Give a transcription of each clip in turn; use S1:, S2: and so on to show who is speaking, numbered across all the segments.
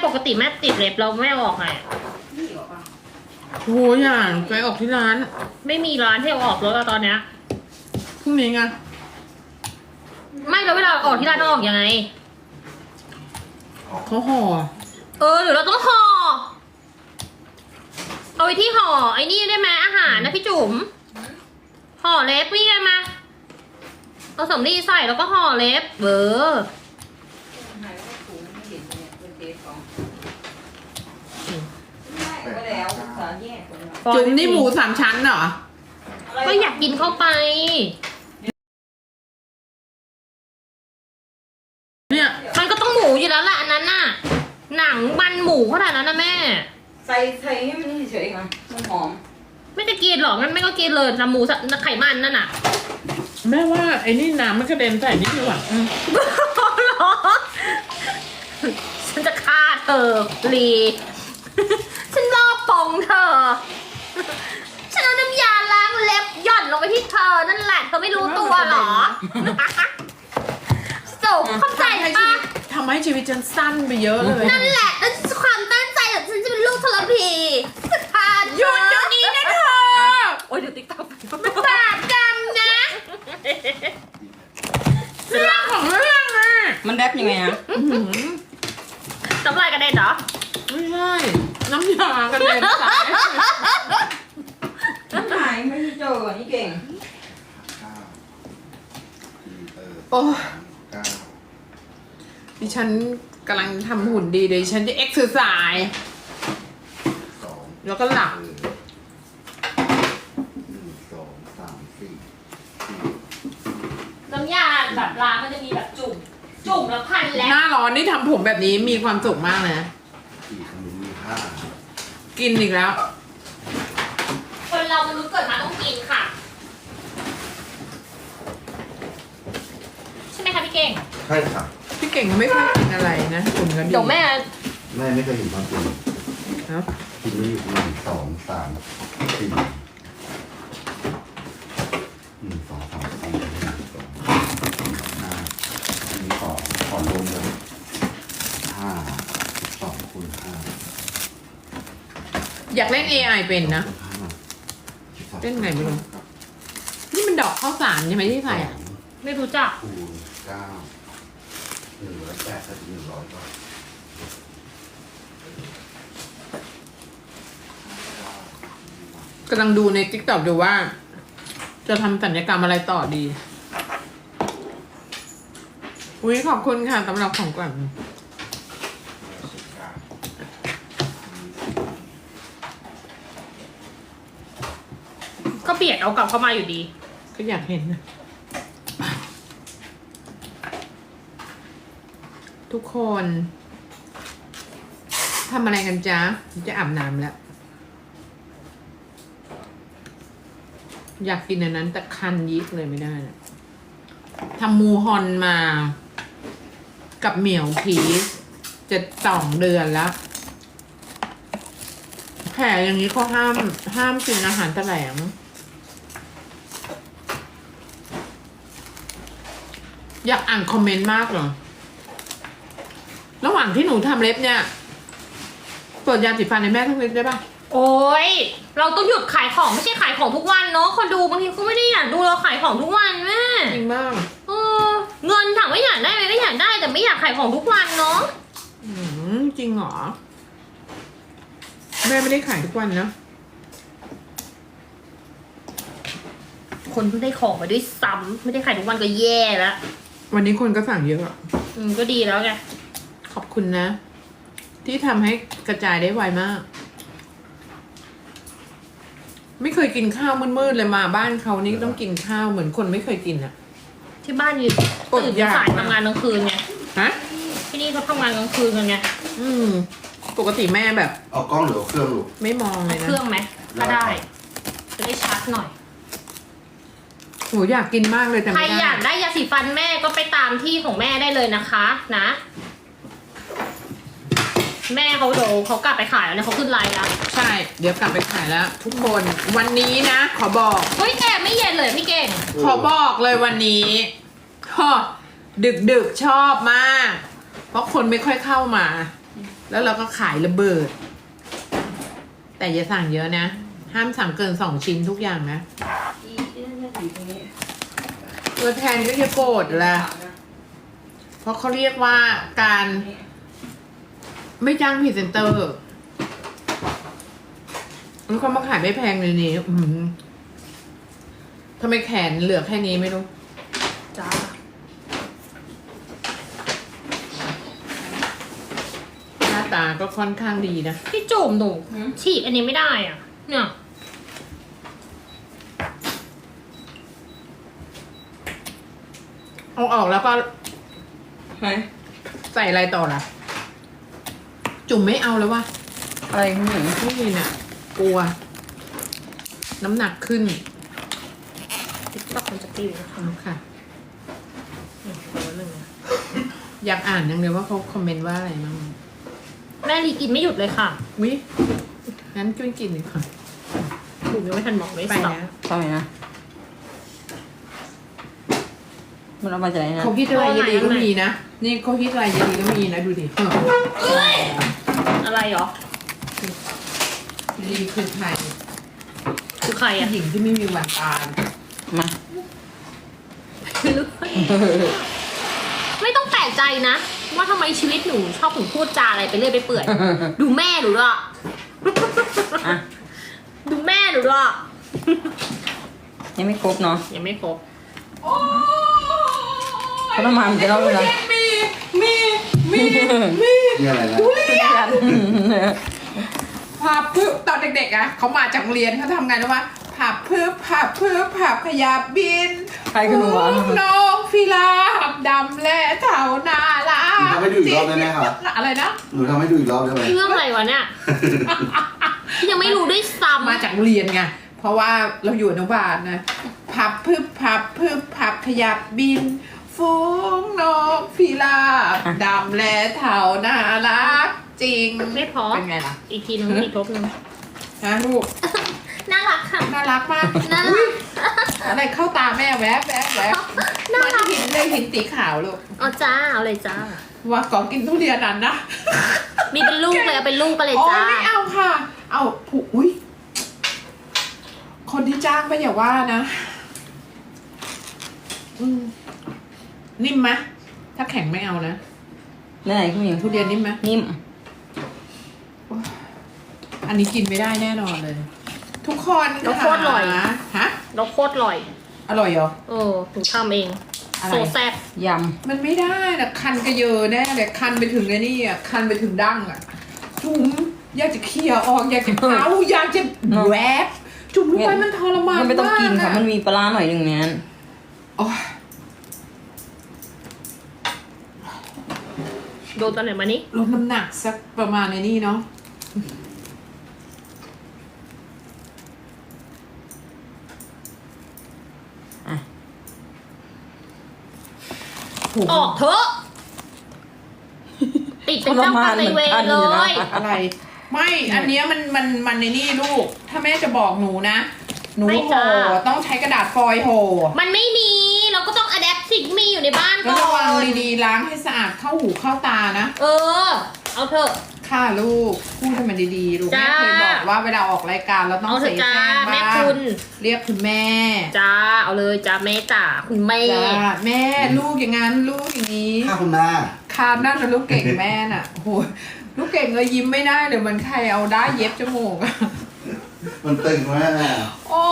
S1: ปกติแม่ติดเล็บเราแม่ออกไง
S2: โอ้ยอย่างไปออกที่ร้าน
S1: ไม่มีร้านที่เอาออกรถแล้วตอนเนี้ย
S2: พรุ่งนี้ไง
S1: ไม่แล้วเวลาออกที่ร้านต้องออกยังไง
S2: เขาห่อ
S1: หรือเราต้องห่อเอาไว้ที่ห่อไอ้นี่ได้ไหมอาหารนะพี่จุ๋มห่อเล็บนี่ไงมาเอาสำลีใส่แล้วก็ห่อเล็บ
S2: จุ๋มนี่หมู3 ชั้นเหรอ
S1: ก็อยากกินเข้าไป
S2: เนี่ย
S1: มันก็ต้องหมูอยู่แล้วแหละอันนั้นน่ะ หนังมันหมูขนาดนั้นนะแม่
S3: ใส่ให้มันเฉยๆค่ะมันหอม
S1: ไม่จะกินหรอกงั้นแม่ก็กินเลยนะหมูไขมันนั่นน่ะ
S2: แม่ว่าไอ้นี่น้ำมันกระเด็นใส่นิดดีกว่า
S1: หรอฉันจะฆ่าเธอลีฉันรอบปองเธอ ฉันเอาน้ำยาล้างเล็บหย่อนลงไปที่เธอนั่นแหละเธอไม่รู้ตัวหรอจบเข้าใจปะ
S2: ทำให้ชีวิตฉันสั้นไปเยอะเลย
S1: นั่นแหละนั่นความตั้งใจของฉันจะเป็นลูกทรพีสถาน
S2: หยุดเดี๋ยวนี้นะเธอ
S1: โอ้ยเดี๋ยวติ๊กต๊อก
S2: มันบาปกรรมนะเรื่องของเรื่องอะ
S3: มันแรปยังไงอะ
S1: น้ำลายกระเด็นเหรอ
S2: ไม่ใช่น้ำยากระเด็นใส่
S3: น้ำหายไม่ได้เจอนี่เก่ง
S2: โอ้ดิฉันกำลังทำหุ่นดีเดี๋ยวดิฉันจะเอ็กซ์ไซส์แล้วก็หลับ
S1: น้ำยาแบบล้างมันจะมีแบบจุ่มแล้วพันแล้ว
S2: หน้าร้อนนี่ทำผมแบบนี้มีความสุขมากนะกินอีกแล้ว
S1: คนเรามนุษย์เกิดมาต้องกินค่ะ ใช่ไหมคะพี่เก่ง
S4: ใช่ค่ะ
S2: พี่เก่งก็ไม่ค่อยกินอะไรนะคุณก็ดี
S1: เดี๋ยวแม่
S4: แม่ไม่เคยเห็นความจริง
S2: ครับ
S4: กินไม่อยู่1 2 3 4 1 2 3 4 5มีขอรวมเลย5 12 คูณ 5
S2: อยากเล่น AI เป็นนะ เล่นไงไม่รู้ นี่มันดอกข้าวสารใช่ไหมที่ใส่อ่ะ
S1: ไม่รู้จัก
S4: คูณ9 108ถึง100ก็
S2: กำลังดูใน TikTok ดูว่า จะทำศัลยกรรมอะไรต่อดี อุ้ยขอบคุณค่ะสำหรับของขวัญ
S1: ก็เบียดเอากลับเข้ามาอยู่ดี
S2: ก็อยากเห็นนะทุกคนทำอะไรกันจ๊ะจะอาบน้ำแล้ว อยากกินอันนั้นแต่คันยิกเลยไม่ได้นะทำมูฮอนมา กับเหมียวผีจะ2 เดือนแล้ว แผลอย่างนี้เขาห้ามกินอาหารแถลง อยากอ่านคอมเมนต์มากเหรอ ระหว่างที่หนูทำเล็บเนี่ยเปิดยาสีฟันในแม่ทั้งเล็บได้ปะ
S1: โอ้ยเราต้องหยุดขายของไม่ใช่ขายของทุกวันเนาะคนดูบางทีก็ไม่ได้อยากดูเราขายของทุกวันแม่
S2: จริงมาก
S1: เงินถามว่าอยากได้ไหมก็อยากได้แต่ไม่อยากขายของทุกวันเนาะ
S2: จริงเหรอ แม่ไม่ได้ขายทุกวันนะ
S1: คนเพิ่งได้ของมาด้วยซ้ำไม่ได้ขายทุกวันก็แย่แล้ว
S2: วันนี้คนก็สั่งเยอะอะ
S1: ก็ดีแล้วไง
S2: ขอบคุณนะ ที่ทำให้กระจายได้ไวมาก ไม่เคยกินข้าวมืดๆเลยมาบ้านเขานี่ต้องกินข้าวเหมือนคนไม่เคยกินอะ
S1: ที่บ้านอยู่ตื่นสายทำงานกลางคืนไง
S2: ฮะ
S1: ที่นี่เขาทำงานกลางคืนกันไง
S2: ปกติแม่แบบ
S4: เอากล้องหรือเอาเครื่องลูก
S2: ไม่มองเลย
S1: เค
S2: นะ
S1: รื่องไหมก็ได้ จะได้ชัดหน่อย
S2: หนูอยากกินมากเลยแต่
S1: ใคร
S2: ไม่ได้
S1: อยากได้ยาสีฟันแม่ก็ไปตามที่ของแม่ได้เลยนะคะนะ แม่เขาเดี๋ยวเขากลับไปขายแล้วเนี่ยเขาขึ้นไลน์แล้ว
S2: ใช่ เดี๋ยวกลับไปขายแล้ว ทุกคนวันนี้นะ ขอบอก
S1: เฮ้ยแกไม่เย็นเลยพี่เก่ง
S2: ขอบอกเลยวันนี้ฮะดึกชอบมาก เพราะคนไม่ค่อยเข้ามาแล้วเราก็ขายระเบิด แต่อย่าสั่งเยอะนะ ห้ามสั่งเกิน2 ชิ้นทุกอย่างนะ
S3: อีเนี่ยอยู่ตรงนี้
S2: ตัวแทนก็จะโกรธแหละเพราะเขาเรียกว่าการไม่จ้างพรีเซนเตอร์มันเขามาขายไม่แพงเลยนี่ทำไมแขนเหลือแค่นี้ไม่รู้
S1: จ้า
S2: หน้าตาก็ค่อนข้างดีนะ
S1: พี่จุ่มหนูฉีกอันนี้ไม่ได้อ่ะ เนี่ย
S2: เอาออกแล้วก็
S3: ไหน
S2: ใส่อะไรต่อล่ะ จุ่มไม่เอาแล้ววะ
S3: อะไรคุณหญิง
S2: ไม่มีน่ะ กลัว น้ำหนักขึ้น
S1: ติ๊กต็อกมันจะตีนะคะ
S2: เอาค่ะ
S1: หนึ่งนะ
S2: อยากอ่านยังเลยว่าเขาคอมเมนต์ว่าอะไรบ้าง
S1: แม่ลีกินไม่หยุดเลยค่ะ
S2: วิงั้นช่วยกินหน่อยค่ะ
S1: ถูกยังไม่ทันบอกเลย
S2: ไป
S1: สับ
S2: แล้ว
S3: ทำไมนะมันเอามาจากไหนนะ
S2: เขาคิดอะไรยดีก็มีนะ นี่เขาคิดอะไรยดีก็มีนะ ดูดิ
S1: อะไรเหรอ
S2: ดีคือใคร
S1: คือใครอ่ะ
S2: ผู้หญิงที่ไม่มีวันตาย
S3: มา
S1: ไม่ต้องแปลกใจนะ ว่าทำไมชีวิตหนูชอบถึงพูดจาอะไรไปเรื่อยไปเปื่อย ดูแม่หนูด้วย
S3: อ่ะ
S1: ดูแม่หนูด้วย
S3: ยังไม่ครบเนาะ
S1: ยังไม่ครบ
S3: เขาต้องมามันจะเล่าเลยนะ
S4: นี่อะไรนะ
S2: ผับพึบตอนเด็กๆอะเขามาจากโรงเรียนเขาทำไงรู้ปะผับพึบผับขยับบิน
S3: ใครคือหนูวะ
S2: น้องฟิลาบดำและเต่านาลา
S4: หนูทำให้ดูอีกรอบได้ไหมครับ
S2: อะไรนะ
S4: หนูทำให้ดูอีกรอบได้ไหม
S1: เรื่องอะไรวะเนี่ย ยังไม่รู้ด้วยซ้ำ
S2: มาจากโรงเรียนไงเพราะว่าเราอยู่อนุบาลนะผับพึบผับขยับบินฟูงนกฟิลาบดำและเต่านารักจริง
S1: ไม่พอ
S2: เป็นไงล่ะ
S1: อีกทีนึงอีกทบนึง
S2: ฮะลูก
S1: น่ารักค่ะ
S2: น่ารักมาก
S1: น่ารัก
S2: อุ๊ยอะไรเข้าตาแม่แวบมันหินเลยหินสีขาวลูก
S1: เอาจ้า เอาเลยจ้า
S2: ว่าก่อนกินทุเรียนนั้นนะ
S1: มีเป็นลูกเลยเอาเป็นลูกไปเลย
S2: โอ้
S1: จ้า
S2: ไม่เอาค่ะ เอาผูอุ้ยคนที่จ้างไปอย่าว่านะนิ่มไหมถ้าแข็งไม่เอานะ
S3: ไหนคุณหญิง
S2: ทุเรียนนิ่มไหม
S3: นิ่ม
S2: อันนี้กินไม่ได้แน่นอนเลย ทุกคน
S1: แล้วโคตรอร่อย
S2: ฮะ
S1: แล้วโคตรอร่อย
S2: อร่อยเหรอ
S1: เออหนูทำเอง
S2: อะไร
S1: โซแซ่บ
S3: ย
S2: มันไม่ได้นะคันกระเยอแน่เลยคันไปถึงไอ้นี่อ่ะคันไปถึงดั้งอ่ะจุ๋มอยากจะเขี่ยออกอยากจะเอาอยากจะแวบจุ๋มรู้ไหมมันทร
S3: ำ
S2: มาน
S3: มันไม่ต้องกินค่ะ
S2: าก
S3: มันมีปลาร้าหน่อยหนึ่งในนั้น
S2: โอ๊ย
S1: โดนตอนไหนมานี้
S2: ลดน้ำหนักสักประมาณในนี่เนาะ
S3: อ่ะ
S2: โห
S1: ออกเถอะ ติดเป็นเจ้ากรรมนายเวรเลย
S2: อะไร ไม่อันเนี้ยมันในนี่ลูก ถ้าแม่จะบอกหนูนะ หนู
S1: ไม่
S2: ห่
S1: จ้า
S2: อต้องใช้กระดาษฟอยล์ห่อ
S1: มันไม่มี เราก็ต้องอะแดปสิ่งที่มีอยู่ในบ้าน
S2: แล้ว
S1: ก่อ
S2: ระวัง
S1: น
S2: ดีๆล้างให้สะอาดเข้าหูเข้าตานะ
S1: เออ เอาเถอะ
S2: ค่ะลูกพูดให้มันดีๆลูกแม่
S1: จ้า
S2: เคยบอกว่าเวลาออกรายการเราต้อง
S1: เอาเถ
S2: ใส่
S1: อะจ้า
S2: แจ้ง
S1: แม่
S2: บ้าง
S1: คุณ
S2: เรียกคุณแม่
S1: จ้า เอาเลยจ้าแม่จ๋าคุณแม่
S2: จ้าแม่ลูกอย่างนั้นลูกอย่างนี้
S4: ค่ะคุณแม่
S2: คานนั่นนะลูกเก่งแม่น่ะโอ้โหลูกเก่งเลยยิ้มไม่ได้เลยเหมือนใครเอาได้เย็บจมูกอะ
S4: มันตึงแม่
S2: โอ้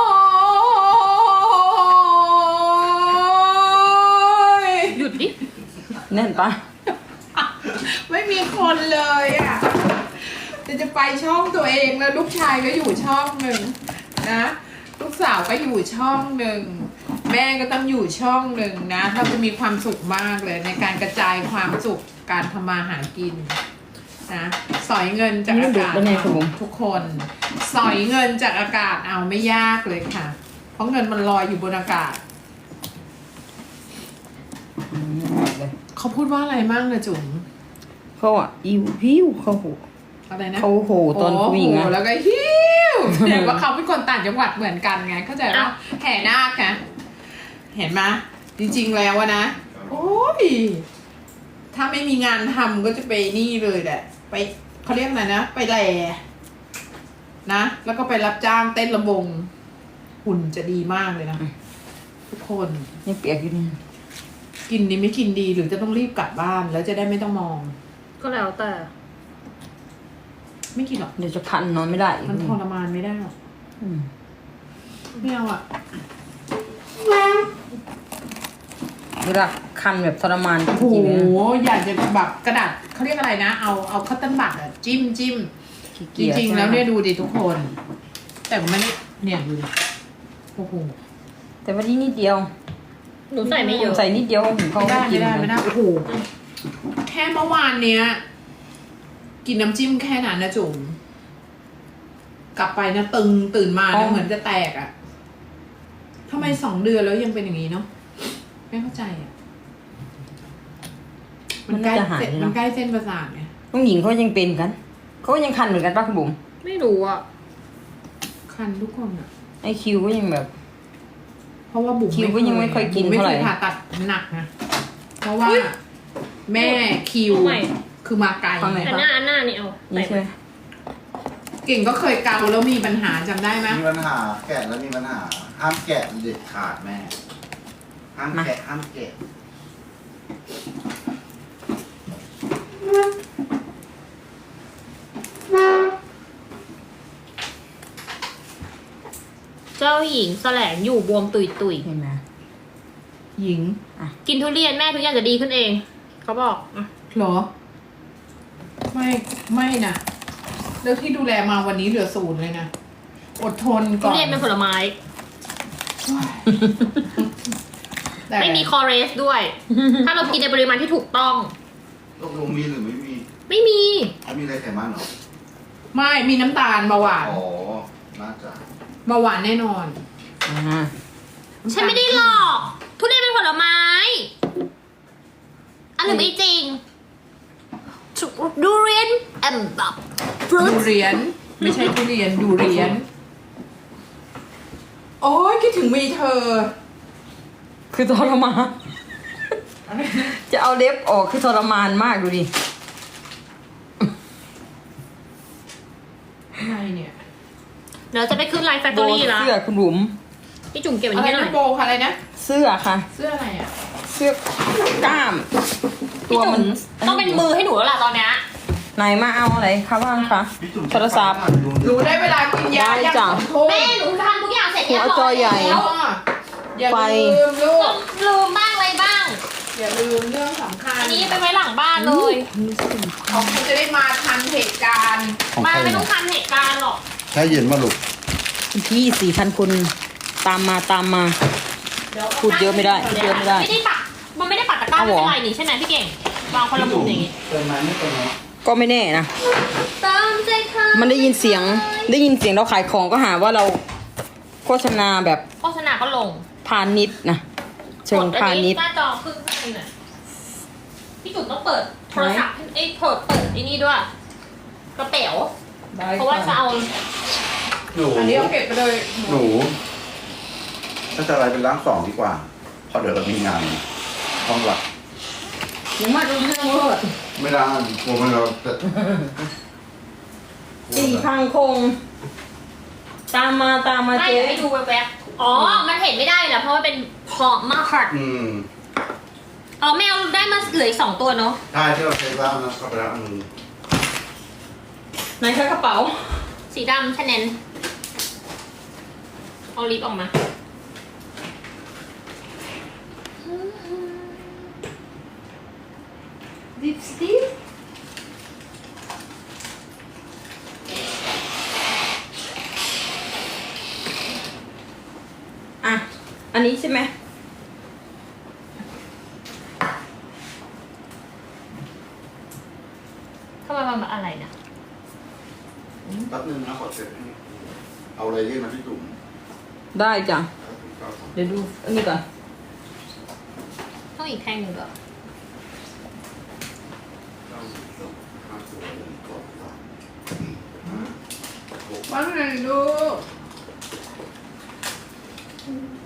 S2: ย
S1: หยุดดิ
S3: แน่นปะ
S2: ไม่มีคนเลยอ่ะจะไปช่องตัวเองแล้วลูกชายก็อยู่ช่องหนึ่งนะ ลูกสาวก็อยู่ช่องหนึ่งแม่ก็ต้องอยู่ช่องหนึ่งนะเราจะมีความสุขมากเลยในการกระจายความสุขการทำมาหากินนะสอยเงินจากอากาศทุกคนสอยเงินจากอากาศเอาไม่ยากเลยค่ะ เพราะเงินมันลอยอยู่บนอากาศ
S3: เลย
S2: เขาพูดว่าอะไรมั่งนะจุ๋ม
S3: เขาอ่ะอิวพิวเขาโห
S2: อะไรนะ
S3: เขาโหตอนผู้หญิง
S2: โอ้
S3: อ่ะ
S2: โแล้วก็ฮิวแสดงว่าเขาเป็นคนต่างจังหวัดเหมือนกันไงเข้าใจปะแห่นาคนะเห็นไหมจริงๆแล้วอะนะโอ้ยถ้าไม่มีงานทำก็จะไปนี่เลยแหละ ไปเขาเรียกอะไรนะ ไปแหล่นะ แล้วก็ไปรับจ้างเต้นระบง หุ่นจะดีมากเลยนะ ทุกคน
S3: ยังเปียกอยู่นี่
S2: กินดีไม่กินดีหรือจะต้องรีบกลับบ้าน แล้วจะได้ไม่ต้องมอง
S1: ก็แล้วแต่
S2: ไม่กินหรอก
S3: เดี๋ยวจะคันนอนไม่ได้อีก
S2: มันทรมานไม่ได้หรอก
S3: อืม
S2: ไม่เอาอ่ะ
S3: เวลาคันแบบทรมานจ
S2: โอ้โห
S3: ริงๆเลยนะ
S2: อยากจะแบบกระดาษเขาเรียกอะไรนะ เอาคัตเติ้ลบัตอะจิ้ม
S3: ขี้
S2: จ
S3: เกียจ
S2: ริงๆแล้วเนี่ยดูดิทุกคน แต่ก็ไม่ได้เนี่ยดูดิโอ้โห
S3: แต่วันนี้นิดเดียว
S1: หนูใส่ไม่เยอะ
S3: ใส่นิดเดียวถึงเขา
S2: ไม่ได้
S3: กิ
S2: ไม่
S3: น
S2: ได้
S3: นะ
S2: ไม่ได้โอ้โหแค่เมื่อวานเนี้ย กินน้ำจิ้มแค่นั้นนะจุ๋มกลับไปนะตึงตื่นมานะเหมือนจะแตกอะทำไม2 เดือนแล้วยังเป็นอย่างนี้เนาะไม่เข้าใจอะ
S3: มันน่าจะหาย
S2: มัน
S3: เนาะ
S2: ใกล้เส้นประสาทไง
S3: น้องหญิงเขายังเป็นกันเขาก็ยังคันเหมือนกันป่ะคุณบุ๋ม
S1: ไม่รู้อ่ะ
S2: คันทุกคนอะ
S3: ไอคิวก็ยังแบบ
S2: เพราะว่าบุ๋ม
S3: คิวก็ยังไม่ค่อยกิน
S2: บุ๋มไม่
S3: เท่าไหร่
S2: เคยผ่าตัดหนักนะเพราะว่า แม่คิว
S1: เอาใหม่
S2: คือมาไกล
S3: ฟังหน่อย
S1: อันหน้านี่เอา
S3: นี่ใช่ไหม
S2: เก่งก็เคยเกาแล้วมีปัญหาจำได้ไหม
S4: มีปัญหาแกะแล้วมีปัญหา ห้ามแกะเด็ดขาดแม่ ห้ามแกะห้ามแกะ
S1: เจ้าหญิงแสลงอยู่บวมตุย
S3: เห็นไหม
S2: หญิง
S1: ๆกินทุเรียนแม่ทุกอย่างจะดีขึ้นเอง เขาบอกอ่ะ
S2: เหรอ ไม่นะเรื่องที่ดูแลมาวันนี้เหลือ0เลยนะ อดทน
S1: ทุ
S2: ก่อน
S1: เรียนเป็นผลไม้
S2: แต่
S1: ไม่มีคอเรสด้วย ถ้าเรากินในปริมาณที่ถูกต้อง
S4: ตกลงมีหรือไม่มี
S1: ไม่มี
S4: ไม่มีอะไรไขมันเหรอ
S2: ไม่มีน้ำตาลเบาหวาน
S4: อ๋อ น่าจะ
S2: เบาหวานแน่นอน
S3: อ่า
S1: ฉันไม่ได้หลอก ทุเรียนเป็นผลไม้อันหรือไม่จริงดูเรียนแอมแบบฟรุ
S2: ดู
S1: ต
S2: เรียน ไม่ใช่ทุเรียนดูเรียน โอ้ยคิดถึงมีเธอ
S3: คือทรมานจะเอาเล็บออกคือทรมานมากดูดิ
S2: อะไรเนี่ย
S1: เดี๋ยวจะไปขึ้นไลฟ์แฟคท
S3: โบ
S1: อรี่ละ
S3: เสื้อคุณบุ๋ม
S1: พี่จุ๋มเก็บอัน
S2: อะไร
S1: นี้ให้หน่
S2: นะ
S1: อย
S2: โบค่ะอะไรนะ
S3: เสื้อค่ะ
S2: เสื้ออะไรอ่ะ
S3: เสื้อกล้าม
S1: พี่จุ๋มต้องเป็นมือให้หนูแล้วล่ะตอนเนี้ย
S3: ไหนมาเอาอะไรคะบ้างคะ
S4: พี่จุ๋ม
S3: โทรศัพท์
S2: รู้ได้เวลากินยา
S3: ได้
S2: ยัง
S3: จ้ะ
S2: 2 ทุ่ม
S1: แม่หนูทำทุกอย่างเสร็จ
S3: หัวจอใหญ่
S1: แล้ว
S2: อย่า
S3: ไฟ
S2: ลืมลูก
S1: ลืมบ้างอะไรบ้าง
S2: อย่าลืมเรื่องสำคัญ
S1: อันนี้ไปไว้หลังบ้านเลย
S2: เขาจะได้มาทันเหตุการณ์
S4: ของ
S1: มา
S4: ใคร
S1: ไม่
S4: เนี่
S1: ต้อง
S4: ย
S1: ทันเหตุการณ์หรอก
S4: แช่เย็นมาลูก
S3: พี่4,000 คนตามมา พูดเยอะไม่ได้พูดเยอะไม่ได้
S1: ไม่ได้ปักมันไม่ได้ปักตะกร้า
S3: เอา
S1: ไม่
S3: เหรอ
S1: เป็นไรนี่ใช่ไหมพี่เก่งวางคนละมุมอย่างงี้
S4: เติมไหมไม่เติมไหม
S3: ก็ไม่แน่นะ
S1: ตามใจเธอ
S3: มันได้ยินเสียงเราขายของก็หาว่าเราโฆษณาแบบ
S1: โฆษณาก็ลง
S3: พาณิชย์นะเชิงพาณิชย์
S1: หน้าจอขึ้นข้างในน่ะพี่จุ๋มต้องเปิดโทรศัพท์เอ้ยเปิดไอ้นี่ด้วยกระเป๋าเพราะว่าจะเอา
S4: หนู
S2: อันนี้เอาเก็บไปเลย
S4: หนู ถ้าจะอะไรเป็นร่าง2ดีกว่า เพราะเดี๋ยวเรามีงานห้องหลัก
S3: ผมมาดูเรื่องเวอร์
S4: ไม่ได้กลัวมันเราจะ
S3: 4,000 คง ตามมา
S1: ไม่
S3: เจ๊
S1: ให้ดูแวบๆอ๋อ มันเห็นไม่ได้แหละเพราะว่าเป็นพอมาร์ค อ๋อแมวได้มาเหลืออีก2 ตัวเนาะ
S4: ใช่ที่เราใช้บ้างนะก็ไปแล้วอันนึง
S3: ไหนคะกระเป๋า
S1: สีดำชาแนลเอาลิปออกมา
S2: ดิปสติก
S3: อ่ะ อันนี้ใช่ไหม
S1: ทำไมมันอะไรนะ
S4: แป๊บนึงนะขอเช็คให้เอาอะไรยื่นมาที่จุ่ม
S3: ได้จ้ะ เดี๋ยวดูอันนี้ก่อน
S1: ต้องอีกแท่งหนึ่งเหรอ
S2: ว่าไงลูก